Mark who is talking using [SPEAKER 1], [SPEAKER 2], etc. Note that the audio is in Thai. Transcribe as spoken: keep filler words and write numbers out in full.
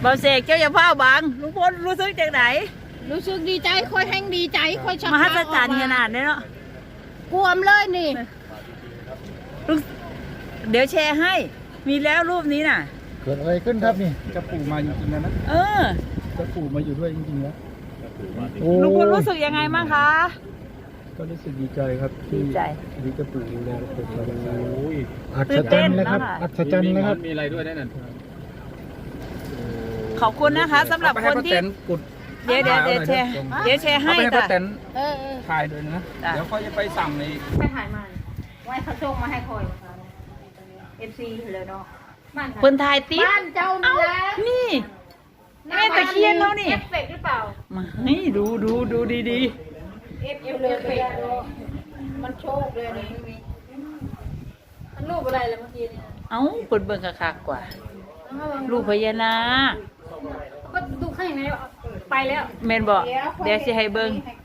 [SPEAKER 1] บ่าวเสกเจ้าอย่าเฝ้าบังลุงพลรู้สึกจากไหน
[SPEAKER 2] รู้สึกดีใจค่อยแห้งดีใจค่อยชัก
[SPEAKER 1] มหัศจรรย์ขนาดนี้เนาะ
[SPEAKER 2] กวมเลยนี่
[SPEAKER 1] เดี๋ยวแชร์ให้มีแล้วรูปนี้น่ะ
[SPEAKER 3] เกิดอะไรขึ้นครับนี่จะปู่มาจริงๆแล้วนะ
[SPEAKER 1] เออ
[SPEAKER 3] จะปู่มาอยู่ด้วยจริงๆแล้ว
[SPEAKER 1] ลุงพลรู้สึกยังไงบ้างคะ
[SPEAKER 3] ก็รู้สึกดีใจครับ
[SPEAKER 1] ดีใจ
[SPEAKER 3] ที่จะปู่ดูแลผมมาโอ้ยอัศจรรย์นะครับอัศจรรย์นะครับ
[SPEAKER 4] มีอะไรด้วยนั่น
[SPEAKER 1] ขอบคุณนะคะสำหรับคนที่เดี๋ยวเดี๋ยวเดี๋ยวแชร์เดี๋ยวแชร์ให้
[SPEAKER 4] ค่ะ
[SPEAKER 2] เออ
[SPEAKER 4] ถ่ายด้วยนะเดี๋ยวค่อยจะไปสั่งใน
[SPEAKER 2] ไปถ่ายมาไว้เขาส่งมาให้คอยเอฟซีเลยเนาะ
[SPEAKER 1] คนถ่ายติ๊บ
[SPEAKER 2] บ้านเจ้านี่แหละ
[SPEAKER 1] นี่แม่ตะเคียนแล้วนี่
[SPEAKER 2] เอฟเฟกต์หรือเปล่า
[SPEAKER 1] มาให้ดูดูดูดีดี
[SPEAKER 2] เอฟเอฟเลยมันโชคเลยนี่มันรูปอะไรเลยเมื่อกี้เนี่ย
[SPEAKER 1] เอ้าเปิดเบิ่งคักๆกว่ารูปพญานาค
[SPEAKER 2] ก็ดูข้างในไปแล้ว
[SPEAKER 1] เมนบอกเดี๋ยวสิให้เบิ่ง
[SPEAKER 2] ให้